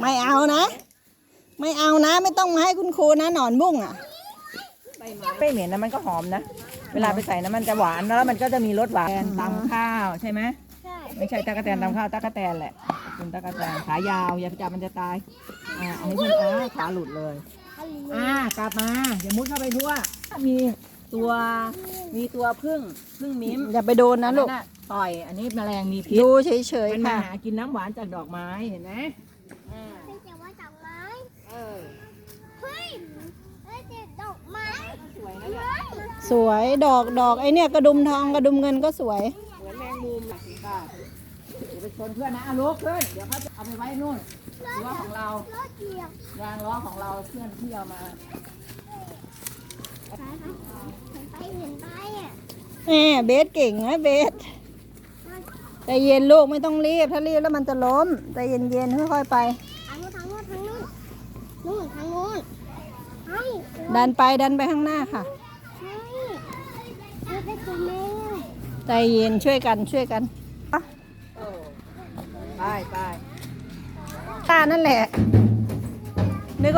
ไม่เอานะไม่เอานะไม่ต้องมาให้คุณครูนะหนอนบุ้งอ่ะไม่เหม็นนะมันก็หอมนะเวลาไปใส่น้ำมันจะหวานแล้วมันก็จะมีรสหวานตำข้าวใช่ไหมไม่ใช่ตะกะแตนตำข้าวตะกะแตนแหละเป็นตะกะแตนขายาวอย่าไปจับมันจะตายเอาให้เพื่อนขาหลุดเลยกลับมาอย่ามุดเข้าไปทั่วมีตัวพึ่งมิ้มอย่าไปโดนนะลูกต่อยอันนี้แมลงมีพิษดูเฉยมันๆมาค่ะหากินน้ำหวานจากดอกไม้เห็นไหมไม่ใช่ว่าดอกไม้เฮ้ยดอกไม้สวยนะเนี่ยสวยดอกไอเนี่ยกระดุมทองกระดุมเงินก็สวยเหมือนแมงมุมหลักสิค่ะเดี๋ยวไปชนเพื่อนนะลุกขึ้นเดี๋ยวเขาจะเอาไปไว้นู่นล้อของเรายางล้อของเราเพื่อนที่เอามาเห็นไปอ่ะเบสเก่งนะเบสใจเย็นลูกไม่ต้องรีบถ้ารีบแล้วมันจะล้มใจเย็นๆค่อยๆไปทางนู้นดันไปข้างหน้าค่ะใจเย็นช่วยกันไปตานั่นแหละ